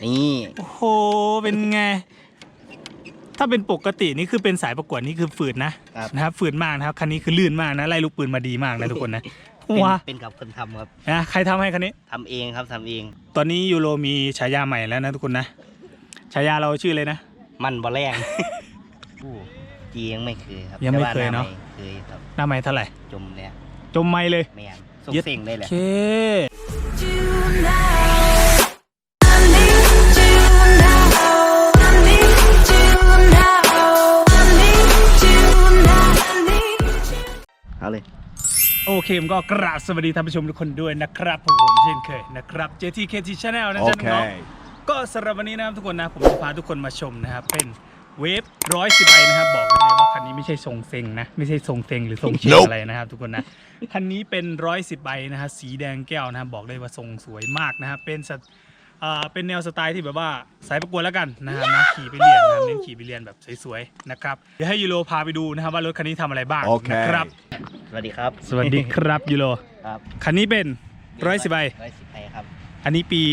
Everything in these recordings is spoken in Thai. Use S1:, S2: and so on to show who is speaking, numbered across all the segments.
S1: นี่
S2: โอ้โหเป็นไงถ้าเป็นปกตินี่คือเป็นสายประกวดนี่คือฝืดนะครับฝืดมากนะครับคันนี้คือลื่นมากนะไล่ลูกปืนมาดีมากนะทุกคนนะว้า
S1: เป็นกับคนทำครับ
S2: ใครทำให้คันนี้
S1: ทำเองครับทำเอง
S2: ตอนนี้ยูโรมีฉายาใหม่แล้วนะทุกคนนะฉายาเราชื่อเลยนะ
S1: มันบ่แรงจียังไม่เคยครับ
S2: ยังไม่เคยเนาะ
S1: เคยครับ
S2: หน้าไม้เท่าไหร่
S1: จมเลย
S2: จมไม้เลย
S1: แมนส่งเสียงได้เลย
S2: โอเค
S1: เอาเลย
S2: โอเคผมก็กราบสวัสดีท่านผู้ชมทุกคนด้วยนะครับผมเช่นเคยนะครับ JTKT Channel นะจ๊ะน้องๆก็สำหรับวันนี้นะครับทุกคนนะผมจะพาทุกคนมาชมนะครับเป็นเวฟ110ไอนะครับบอกได้เลยว่าคันนี้ไม่ใช่ทรงเซ็งนะไม่ใช่ทรงเซ็งหรือทรงเชียอะไรนะครับทุกคนนะคันนี้เป็น110ไอนะฮะสีแดงแก้วนะครับบอกได้ว่าทรงสวยมากนะครับเป็นแนวสไตล์ที่แบบว่าสายประกวดแล้วกันนะครับนะขี่ไปเรียนนะเน้นขี่ไปเรียนแบบสวยๆนะครับเดี๋ยวให้ยูโรพาไปดูนะครับว่ารถคันนี้ทำอะไรบ้างนะครับ
S1: สวัสดีครับ
S2: สวัสดีครับยูโร
S1: ครับ
S2: คันนี้เป็น110ไอ
S1: ครับ
S2: อันนี้ปี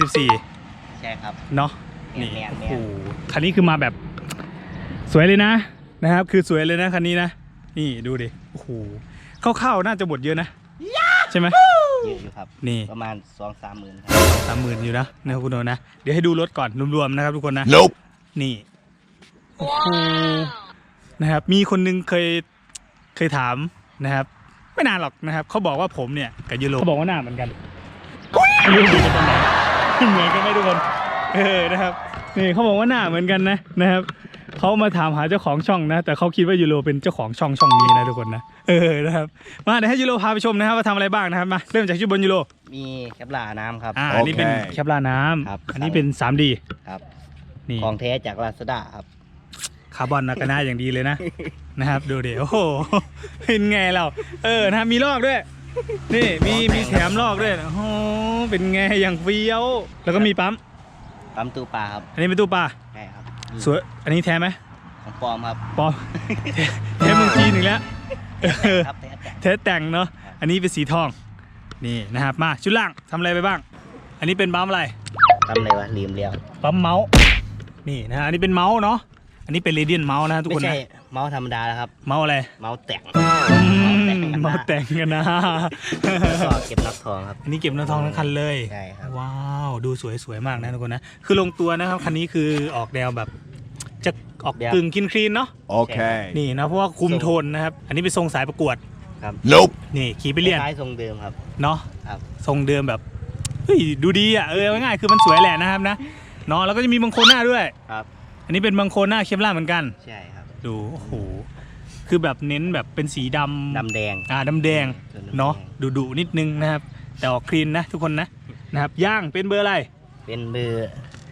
S2: 2014
S1: ใช่ครับ
S2: เนาะนี่โอ้โหคันนี้คือมาแบบสวยเลยนะครับคือสวยเลยนะคันนี้นะนี่ดูดิโอ้โหเข้าๆน่าจะหมดเยอะนะใช่ไหม
S1: เยอะอยู่ครับ
S2: นี่
S1: ประมาณ 2-3 หมื่นครับ
S2: 30,000อยู่นะนะครับคุณโดนะเดี๋ยวให้ดูรถก่อนรวมๆนะครับทุกคนนะนี่โอ้โหนะครับมีคนนึงเคยถามนะครับไม่นานหรอกนะครับเขาบอกว่าผมเนี่ยกับยูโรเขาบอกว่าหน้าเหมือนกันไม่รู้เหมือนกันตรงไหนเหมือนกันไหมทุกคนนะครับนี่เขาบอกว่าหน้าเหมือนกันนะครับเขามาถามหาเจ้าของช่องนะแต่เขาคิดว่ายูโรเป็นเจ้าของช่องนี้นะทุกคนนะนะครับมาเดี๋ยวให้ยูโรพาไปชมนะครับว่าทำอะไรบ้างนะครับมาเริ่มจากชื่อบนยูโร
S1: มีแคปลาน้ำครับ
S2: อันนี้เป็นแคปลาน้ำอันนี้เป็น 3D
S1: ครับ
S2: นี่
S1: ของแท้จากลาซาด้าครับ
S2: คาร์บอนนะก็น่าอย่างดีเลยนะครับดูเดี๋ยวโอ้โหเป็นไงเรานะครับมีลอกด้วยนี่มีแถมลอกด้วยโอ้โหเป็นไงอย่างเฟี้ยวแล้วก็มีปั๊ม
S1: ตู้ปลาครับ
S2: อันนี้เป็นตู้ปลา
S1: ใช่ครับ
S2: สวยอันนี้แท้ไหม
S1: ของปลอมครับ
S2: ปลอมแท้เมืองจีนอีกแล้วแท้แต่งเนาะอันนี้เป็นสีทองนี่นะครับมาชุดล่างทำอะไรไปบ้างอันนี้เป็นปั๊มอะไร
S1: อะไรวะลืมแล้ว
S2: ปั๊มเมาส์นี่นะอันนี้เป็นเมาส์เนาะอันนี้เป็นเรเดียนเมาส์นะทุกคนนะ
S1: ไม่ใช่เมาส์ธรรมดาแล้วครับ
S2: เมาส์อะไร
S1: เมาส์แต่ง
S2: เมาส์แต่งกันนะ
S1: ก็เก็บน็อตทองครับ
S2: อันนี้เก็บน็อตทองทั้งคันเลย
S1: ใช่ครับ
S2: ว้าวดูสวยมากนะทุกคนนะคือลงตัวนะครับคันนี้คือออกแนวแบบจะออกกึ่งคลีนเนาะ
S3: โอเค
S2: นี่นะเพราะว่าคุมโทนนะครับอันนี้เป็นทรงสายประกวด
S1: ครับ
S2: นี่ขี่ไปเรียน
S1: คล้ายทรงเดิมครับ
S2: เนาะ
S1: ครับ
S2: ทรงเดิมแบบเฮ้ยดูดีอ่ะง่ายๆคือมันสวยแหละนะครับนะเนาะแล้วก็จะมีบังโคลหน้าด้วย
S1: ครับ
S2: อันนี้เป็นบังโคลหน้าเคปล่าเหมือนกัน
S1: ใช่ครับ
S2: ดูโอ้โหคือแบบเน้นแบบเป็นสีด
S1: ำแดง
S2: ดำแดงเนาะดุนิดนึงนะครับแต่ออกคลีนนะทุกคนนะครับย่างเป็นเบอร์อะไร
S1: เป็นเบอร์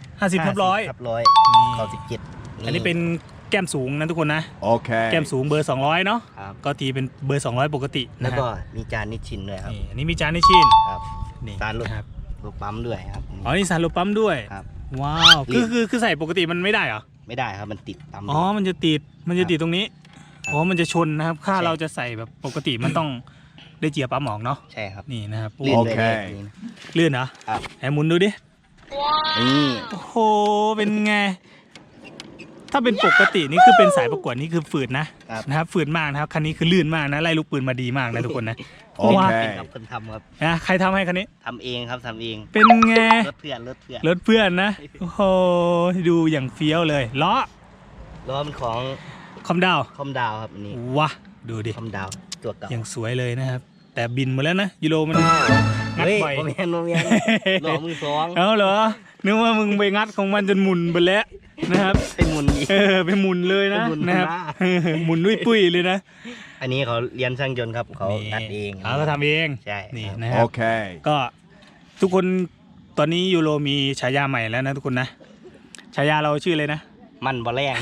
S2: 50/100
S1: เขา17
S2: อันนี้เป็นแก้มสูงนะทุกคนนะ
S3: โอเค
S2: แก้มสูงเบอร์200เนาะก็ตีเป็นเบอร์200ปกติ
S1: แล้วก็มีจานนิชชินด้วยครับ
S2: อันนี้มีจานนิชชิน
S1: ครับนี่สารรถปั๊มด้วยครับ
S2: นี่สารรถปั๊มด้วย
S1: ครับ
S2: ว้าวคือใส่ปกติมันไม่ได้เหรอ
S1: ไม่ได้ครับมันติดปั๊ม
S2: มันจะติดตรงนี้มันจะชนนะครับถ้าเราจะใส่แบบปกติมันต้องได้เจียปั๊มออกเนาะ
S1: ใช่ครับ
S2: นี่นะครับ
S1: โอเค
S2: ลื่นเหรอ
S1: ครับ
S2: ให้หมุนดูดิ
S1: นี่
S2: โอ้โหเป็นไงถ้าเป็นปกตินี่คือเป็นสายประกวดนี่คือฝืดนะครับฝืดมากนะครับคันนี้คือลื่นมากนะไล่ลูกปืนมาดีมากนะทุกคนนะ
S1: ว้าเป็นกับคนทำครับ
S2: ใครทำให้คันนี้
S1: ทำเองครับทำเอง
S2: เป็นไง
S1: รถเ
S2: พื่อนนะโอ้โหดูอย่างเฟี้ยวเลยล้อ
S1: มันของ
S2: คอมดาว
S1: ครับนี่
S2: ว้าดูดิ
S1: คอมดาวตัวเก่า
S2: อย่างสวยเลยนะครับแต่บินมาแล้วนะยูโรมัน
S1: งัดบ่อยโมเมนล้อมือสอง
S2: เหรอนึกว่ามึงไปงัดของมันจนหมุนไปแล้วนะครับ
S1: เป็นหมุน
S2: ไปหมุนเลยนะครับหมุนด้วยปุ้ยเลยนะ
S1: อันนี้เขาเรียนช่างยนต์ครับเขาตัดเอง
S2: เขาทำเอง
S1: ใช่
S2: นี่นะครับ
S3: โอเค
S2: ก็ทุกคนตอนนี้ยูโรมีฉายาใหม่แล้วนะทุกคนนะฉายาเราชื่อเลยนะ
S1: มันบ่แรง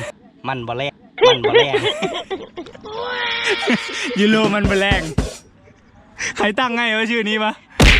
S2: ยูโรมันบ่แรงใครตั้งให้ว่าชื่อนี้ปะ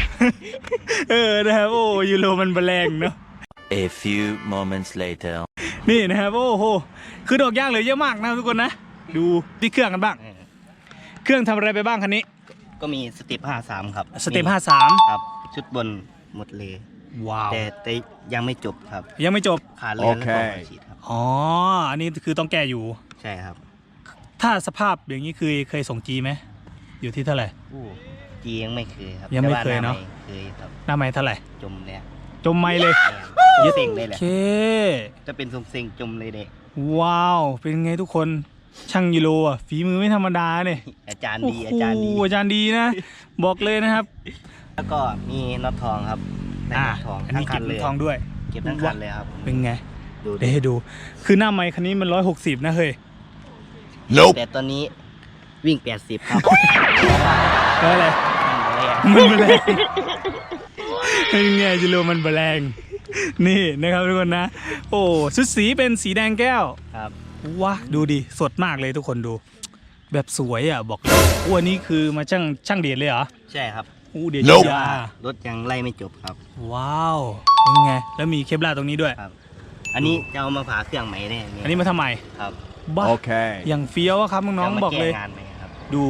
S2: นะครับโอ้ยูโรมันบ่แรงเนาะ
S4: A few moments later
S2: นี่นะครับโอ้โหคือดอกย่างเหลือเยอะมากนะทุกคนนะดูที่เครื่องกันบ้างเครื่องทำอะไรไปบ้างคันนี้
S1: ก็มีสเต็ป53ครับ
S2: สเต็ป53
S1: ครับชุดบนหมดเลย
S2: ว้าว
S1: แต่ยังไม่จบครับ
S2: ยังไม่จบ
S1: ขาดเลือดแล้วก็หัวฉีดครับ
S2: อ๋ออันนี้คือต้องแก้อยู่
S1: ใช่ครับ
S2: ถ้าสภาพอย่างนี้คือเคยส่งจีไหมอยู่ที่เท่าไหร่
S1: จียังไม่เคยครับ
S2: ยังไม่เคย
S1: แต่ว่
S2: เนอะ
S1: หเคยครับ
S2: หน้าไม้เท่าไหร่
S1: จมแล้ว
S2: จมไม่เลย
S1: ยึดเซ็งได้แห
S2: โอ
S1: ละ
S2: เค
S1: จะเป็นทรงเซ็งจมเลยเด็ก
S2: ว้าว เป็นไงทุกคนช่างยูโรอ่ะฝีมือไม่ธรรมดาเนี่ย
S1: อาจารย์
S2: โอ้
S1: ดี
S2: โห
S1: อาจารย์ดี
S2: อาจารย์ดีนะ บอกเลยนะครับ
S1: แล้วก็มีน็อตทองครับได้น็อตทอง
S2: อัน
S1: ทั้
S2: นี้
S1: งคั
S2: เก็
S1: น
S2: บ
S1: เลย
S2: ทองด้วย
S1: เก็บทั้งคันเลยครับ
S2: เป็นไง
S1: ดู
S2: เดี๋ยวให้ดู คือหน้าไม้คันนี้มัน160นะเฮ้ย
S1: แต่ตอนนี้วิ่ง80ครับ
S2: ก็อะไร
S1: นั่นเลย
S2: มันแรงเป็นไงยูโรมันแรง นี่นะครับทุกคนนะ โอ้ชุดสีเป็นสีแดงแก้ว
S1: ครับ
S2: ว้าดูดิสดมากเลยทุกคนดู แบบสวยอ่ะบอกเลยอ้วนนี้คือมาช่างเดียดเลยเหรอ
S1: ใช่ครับ
S2: อู้เดียดยาร
S1: ถยังไล่ไม่จบครับ
S2: ว้าวเป็นไงแล้วมีเคปลาร์ตรงนี้ด้วย
S1: ครับ อันนี้จะเอามาผ่าเครื่องใหม่แน่
S2: อันนี้มาทำไม
S1: ครับ
S2: บ้า
S3: Okay.
S2: อย่างเฟี้ยวอะครับน้อง
S1: จะมา
S2: ๆบอกเลย
S1: แงานใหม่ครับ
S2: ดู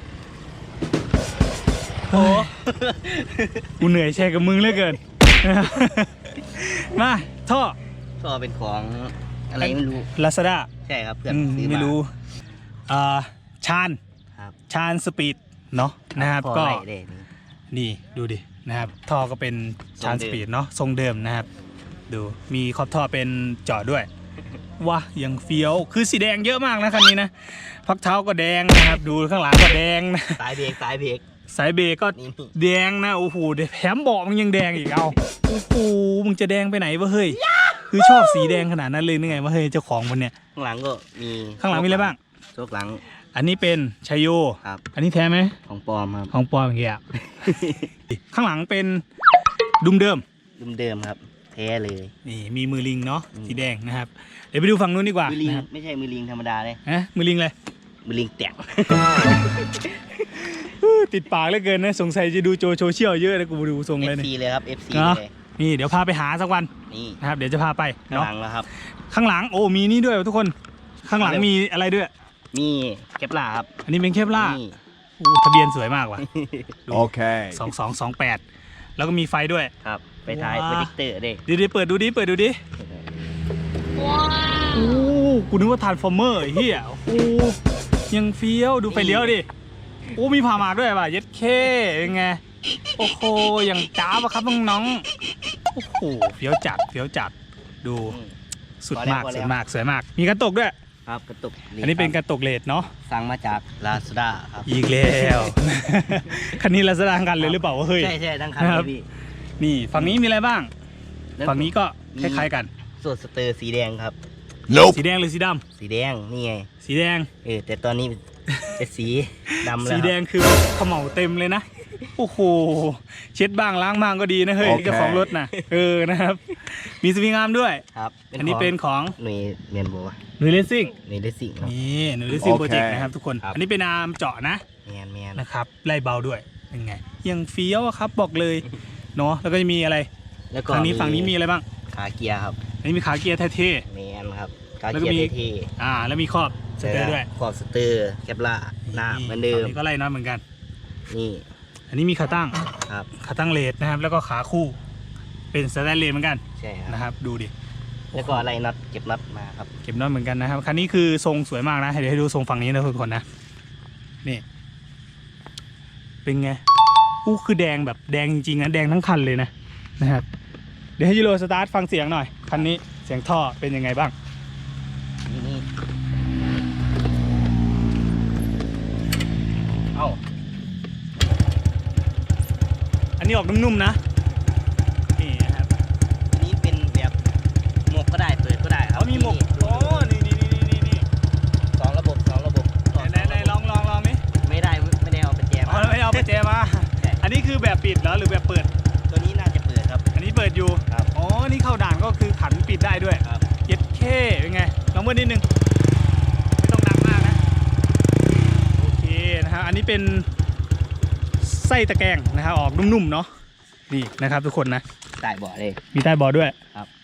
S2: โอ้กูเหนื่อยแชร์กับมึงเหลือเกิน มาท่อ
S1: ก็เป็นของอะไรไม่รู้
S2: ลาซาด้า
S1: ใช่ครับเพื่อนซื้อมา
S2: ไม่รู้ชาน
S1: ครับ
S2: ชานสปีดเนาะนะครับ
S1: พอ
S2: ก็
S1: ไล่ได้นี่
S2: นี่ดูดินะครับท่อก็เป็นชาน
S1: ทรงเดิม
S2: สปีดเนาะทรงเดิมนะครับดูมีขอบท่อเป็นเจาะด้วยว้ายังเฟี้ยวคือสีแดงเยอะมากนะคันนี้นะพักเท้าก็แดงนะครับดูข้างหลังก็แดงนะ
S1: สายเบรกสายเบรก
S2: สายเบรกก็
S1: นี่
S2: แดงนะโอ้โหแถมเบาะมันยังแดงอีกเอาโอ้โหมึงจะแดงไปไหนวะเฮ้ยคือชอบสีแดงขนาดนั้นเลยนึกไงวะเฮ้ยเจ้าของมันเนี่ย
S1: ข้างหลังก็มี
S2: ข้างหลังมีอะไรบ้าง
S1: โชคหลัง
S2: อันนี้เป็นชัยโย
S1: ครับ
S2: อันนี้แท้ไหม
S1: ของปลอมครับ
S2: ของปลอมอย่างเงี้ย ข้างหลังเป็นดุมเดิม
S1: เดิมๆครับแท้เลย
S2: นี่มีมือลิงเนาะสีแดงนะครับเดี๋ยวไปดูฝั่งนู้นดีกว่า
S1: มือลิง
S2: นะครับ
S1: ไม่ใช่มือลิงธรรมดาเลย
S2: ฮะมือลิงเลย
S1: มือลิงแตก
S2: ติดปากเหลือเกินนะสงสัยจะดูโซเชียลเยอะเลยกูดูทรงเลย
S1: FC
S2: เนี่ย
S1: เลยครับ FC
S2: เนาะ
S1: เลย
S2: นี่เดี๋ยวพาไปหาสักวัน
S1: นี่
S2: นะครับเดี๋ยวจะพาไป
S1: ข้าง
S2: เนาะ
S1: หลังแล้วครับ
S2: ข้างหลังโอ้มีนี่ด้วยทุกคนข้างหลังมีอะไรด้วย
S1: มีแคปลาครับ
S2: อันนี้เป็นเคปล่าร์
S1: นี่
S2: โอ้ทะเบียนสวยมากว่ะ
S3: Okay.
S2: 2228แล้วก็มีไฟด้วย
S1: ครับไปถ่าย
S2: ว้า
S1: โปรเจคเตอร์เด็ก
S2: เดี๋ยวเปิดดูดิโอ้กูนึกว่าทรานส์ฟอร์เมอร์ไอ้เฮียโอ้ยังเฟี้ยวดูไฟเลี้ยวดิโอ้มีผ่าหมากด้วยป่ะเย็ดเคเป็นไงโอ้โหอย่างจ้าบอะครับน้องๆโอ้โหเฟี้ยวจัดดูสุดมากสวยมากมีกระตกด้วย
S1: ครับกระตุก
S2: อันนี้เป็นกระตกเลดเนาะ
S1: สั่งมาจากลาซาด้าครับ
S2: อีกแล้ว คันนี้เราแสดงกันเลยหรือเปล่าวะเฮ้ย
S1: ใช่ทั้งคัน
S2: ค
S1: เล
S2: รับ
S1: ยพี่
S2: นี่ฝั่งนี้มีอะไรบ้าง ฝั่งนี้ก็คล้ายๆกัน
S1: ส่วนสเตอร์สีแดงครับ
S3: Nope.
S2: สีแดงหรือสีด
S1: สีแดงนี่ไง
S2: ำสีแดง
S1: แต่ตอนนี้เป็นสีดำแล้ว
S2: สีแดงคือเขม่าเต็มเลยนะ โอ้โห เช็ดบ้างล้างบ้างก็ดีนะเฮ้ย
S3: โอเค
S2: เจ้าของรถนะนะครับ มีสวิงอาร์มด้วย
S1: ครับ
S2: อันนี้เป็นของ
S1: หน่วยเมียนโบ
S2: หนุ่ยเลสซิ่ง
S1: หน่วยเลสซิ่งครับ
S2: นี่หนุ่ยเลสซิ่ง
S3: โอเค
S2: โปรเจกต์นะครับทุกคน
S1: ครับ
S2: อันนี้เป็นอาร์มเจาะนะ
S1: เมียน
S2: นะครับไล่เบาด้วย เป็นไง ยังเฟี้ยวอะครับบอกเลย เนาะ แล้วก็จะมีอะไร
S1: แล้วก็
S2: ฝั่งนี้มีอะไรบ้าง
S1: ขาเกียร์ครับ
S2: อันนี้มีขาเกียร์เท่
S1: เมียนครับขา
S2: แล้วก็
S1: เกีย
S2: มี
S1: ร์เท่
S2: ๆแล้วมีครอบ
S1: ๆ
S2: สเตอร์ด้วย
S1: ขอบสเตอร์แคปลาหน้าเหมือนเดิม
S2: ฝั่งนี้ก็ไล่น็อตเหมือนกัน
S1: นี่
S2: อันนี้มีขาตั้ง
S1: ครับ
S2: ขาตั้งเลดนะครับ แล้วก็ขาคู่ เป็นสแตนเลสเหมือนกัน
S1: ใช่ครับ
S2: นะครับ ดูดิ
S1: แล้วก็อะไรน็อตเก็บน็อตมาครับ
S2: เก็บน็อตเหมือนกันนะครับ คันนี้คือทรงสวยมากนะ เดี๋ยวให้ดูทรงฝั่งนี้นะทุกคนนะ นี่ เป็นไง อู้คือแดงแบบแดงจริงๆนะแดงทั้งคันเลยนะครับ เดี๋ยวให้ยูโรสตาร์ทฟังเสียงหน่อย คันนี้เสียงท่อเป็นยังไงบ้าง
S1: นี่เอ้า
S2: อันนี้ออกนุ่มๆนะ นี่นะครับ
S1: อันนี้เป็นแบบหมวกก็ได้เปิดก็ได้ครับ
S2: เขามีหมกโอ้นี่
S1: สองระบบต่อ
S2: ไหนลองนี่
S1: ไม่ได้เอาไปแจม
S2: อ๋อไม่เอาไปแจมา อันนี้คือแบบปิดเหรอหรือแบบเปิด
S1: ตัวนี้น่าจะเปิดครับ
S2: อันนี้เปิดอยู่
S1: ครับ
S2: อ๋อ นี่เข้าด่านก็คือขันปิดได้ด้วย
S1: ครับ
S2: เย็ดเคเป็นไง ลองเบิ้ลนิดนึง ไม่ต้องดังมากนะ โอเคนะครับ อันนี้เป็นไส้ตะแกรงนะครับ ออกนุ่มๆเนาะ นี่นะครับทุกคนนะ
S1: ใต้เบาะเลย
S2: มีใต้เบาะด้วย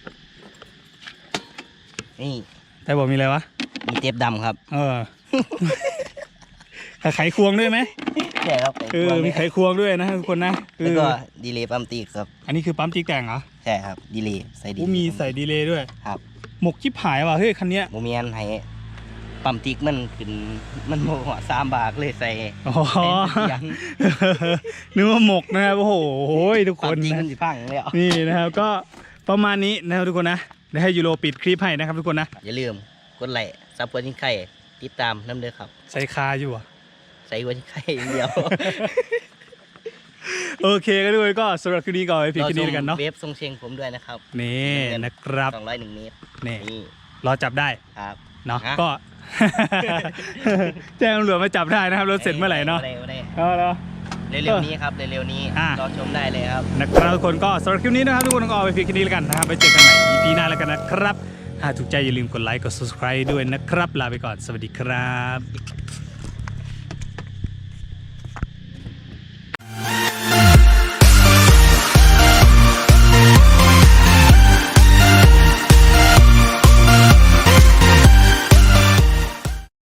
S1: นี่
S2: ใต้เบาะมีอะไรวะ
S1: มีเทปดำครับ
S2: ไขควงด้วยไหม
S1: ใช่ครับ
S2: มีไขควงด้วยนะทุกคนนะ
S1: แล้วก็ดีเลย์ปั๊มตีครับ
S2: อันนี้คือปั๊มจิ๊กแต่งเหรอ
S1: ใช่ครับดีเลย์ใส่ดี
S2: มีใส่ดีเลย์ด้วย
S1: ครับ
S2: หมกชิบหายว่ะเฮ้ยคันเนี้ย
S1: โมเมียนให้ปั๊มติ๊กมันขึ้นมันโมหัว3 บาทเลยใส่
S2: อ๋อ
S1: ยัน
S2: นึกว่าหมกนะครับโอ้โหทุกค
S1: ปั๊ม
S2: น
S1: ติ๊ก
S2: นะ
S1: มันสิพังแล้ว
S2: นี่นะครับก็ประมาณนี้นะครับทุกคนนะเดี๋ยวให้ยูโรปิดคลิปให้นะครับทุกคนนะ
S1: อย่าลืมกดไลค์ซับกดทิ้งไข่ติดตามน้ำเด้อครับ
S2: ใส่คาอยู่อ่ะ
S1: ใส่กดทิ้งไข่อย่างเดียว
S2: โอเคก็ทุกคนก็สำหรับคลิปนี้ก็ไว้เพียงแค่นี้แล้วกันเนาะ
S1: เวฟทรงเชียงผมด้วยนะครับ
S2: นี่นะครับ
S1: 201 เมตร
S2: นี่
S1: นี่
S2: รอจับได้
S1: ครับ
S2: เนาะ
S1: ฮะ
S2: ก็ แจ้งตำรวจมาจับได้นะครับรถเสร็จเมื่อไหร่เนาะ
S1: ได้
S2: เอาละ
S1: เร็วๆนี้ครับเร็วๆนี้
S2: อ่ะ
S1: รอชมได้เลยครับ
S2: นะครับทุกคนก็สำหรับคลิปนี้นะครับทุกคนก็เอาไปเพียงแค่นี้แล้วกันนะครับไปเจอกันใหม่ EP หน้าแล้วกันนะครับถ้าถูกใจอย่าลืมกดไลค์กด subscribe ด้วยนะครับลาไปก่อนสวัสดีครับ